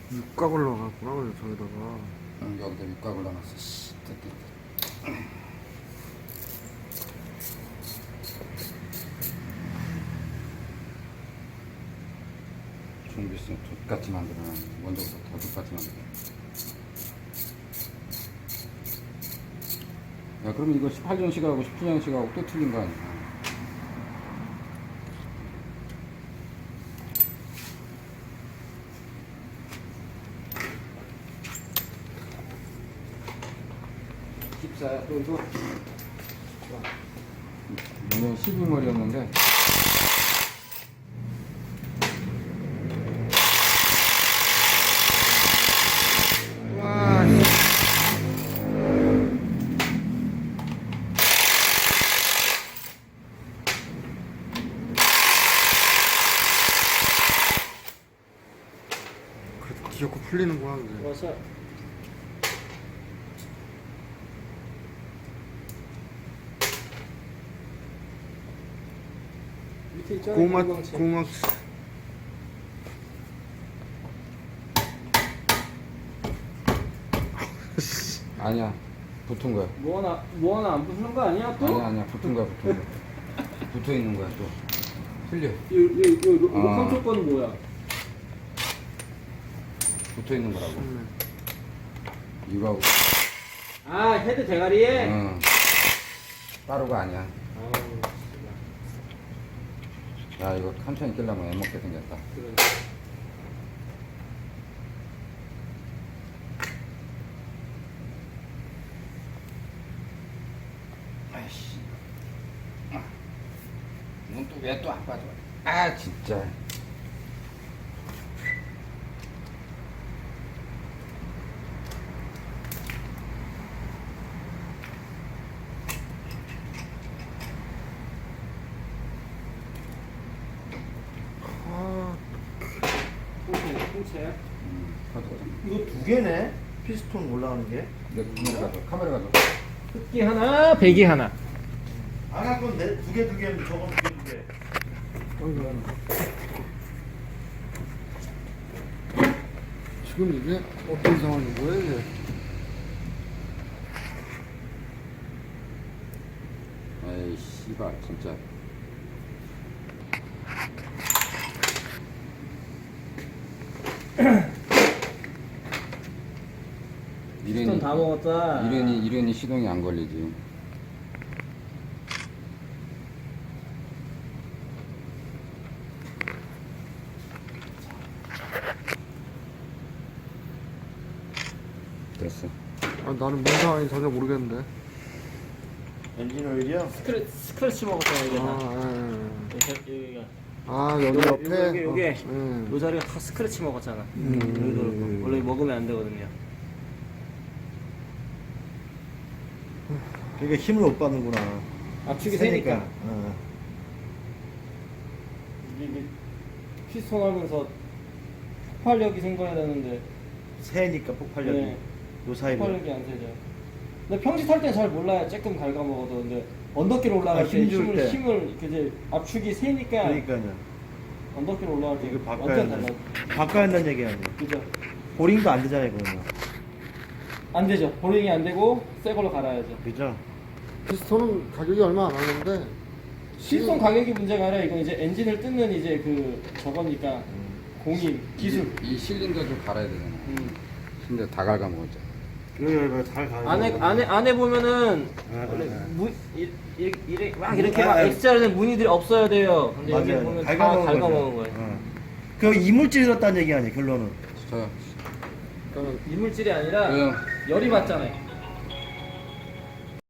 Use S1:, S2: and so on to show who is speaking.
S1: 육각 올라갔구나, 그래서 저기다가.
S2: 응, 여기다 육각을 넣어놨어. 씨, 됐다. 준비성 돛같이 만들어놔. 먼저부터 더 돛같이 만들어. 야, 그러면 이거 18년식하고 17년식하고 또 틀린 거 아니야? 14야, 또 이거. 오늘 12머리였는데.
S1: 와, 그래도 귀엽고 풀리는구나, 그게.
S3: 와서 밑에 있잖아.
S1: 고막,
S3: 공광채.
S1: 고막.
S2: 아니야, 붙은 거야.
S3: 뭐 하나 안 붙는 거 아니야 또?
S2: 아니야, 붙은 거야, 붙은 거야. 붙어 있는 거야, 또. 틀려.
S3: 요
S2: 아.
S3: 컨트롤 거는 뭐야?
S2: 붙어 있는 거라고. 이거하고.
S3: 아 헤드 대가리에.
S2: 응. 따로가 아니야.
S3: 아우,
S2: 야, 이거 천천히 끼려면 애먹게 생겼다.
S3: 그래.
S2: 아이씨. 넌 또 왜 또 안 빠져? 아, 진짜.
S1: 아,
S3: 통채.
S2: 가져가자.
S4: 이거 두 개네? 피스톤 올라가는 게?
S2: 내 카메라 가져.
S3: 흑기 하나, 배기 하나.
S4: 아까 건두 개 두 개는 저건 두 개 두 개.
S1: 지금 이게 어떤 상황인 거야, 이게?
S2: 에이, 씨발, 진짜.
S3: 피스톤 다 먹었다.
S2: 이른이 시동이 안 걸리지. 됐어.
S1: 아, 나는 뭔 상황인지 전혀 모르겠는데.
S4: 엔진 오일이요?
S3: 스크래치 먹었잖아 이게 다.
S1: 아,
S3: 여기가.
S1: 아, 여기 옆에.
S3: 요게
S1: 어,
S3: 요 자리가 다 스크래치 먹었잖아. 여기도 원래 먹으면 안 되거든요.
S4: 그러니까 힘을 못 받는구나.
S3: 압축이 세니까.
S4: 어.
S3: 이게 피스톤 하면서 폭발력이 생겨야 되는데
S4: 세니까 폭발력이.
S3: 네.
S4: 요 사이로.
S3: 폭발력이 안 세죠. 근데 평지 탈 땐 잘 몰라요. 조금 갉아먹어도. 근데 언덕길 올라갈
S4: 아,
S3: 때
S4: 힘줄
S3: 힘을
S4: 때.
S3: 힘을 이제 압축이 세니까
S4: 그러니까요.
S3: 언덕길 올라갈 때
S4: 이거 바꿔야
S3: 완전
S4: 한다.
S3: 달라.
S4: 바꿔야 한다는 얘기 아니에요.
S3: 그죠?
S4: 보링도 안 되잖아요, 그러면.
S3: 안 되죠. 보링이 안 되고 새 걸로 갈아야죠.
S4: 그죠?
S1: 피스톤은 가격이 얼마 안 하는데.
S3: 실손 가격이 문제가 아니라 이건 이제 엔진을 뜯는 이제 그 저거니까 공인 기술.
S2: 이 실린더도 갈아야 되잖아.
S3: 음.
S2: 실린더 다 갉아먹었잖아.
S4: 이거 잘 가요.
S3: 안에 보면은 원래 이렇게 막 X자리는 무늬들이 없어야 돼요. 근데 여기
S4: 맞아요.
S3: 보면 다
S4: 갉아먹은
S3: 갉아먹은
S4: 거죠.
S3: 거예요.
S4: 어. 그 이물질이 들었다는 얘기 아니에요, 결론은.
S2: 저,
S3: 이물질이 아니라
S2: 왜요?
S3: 열이 받잖아요.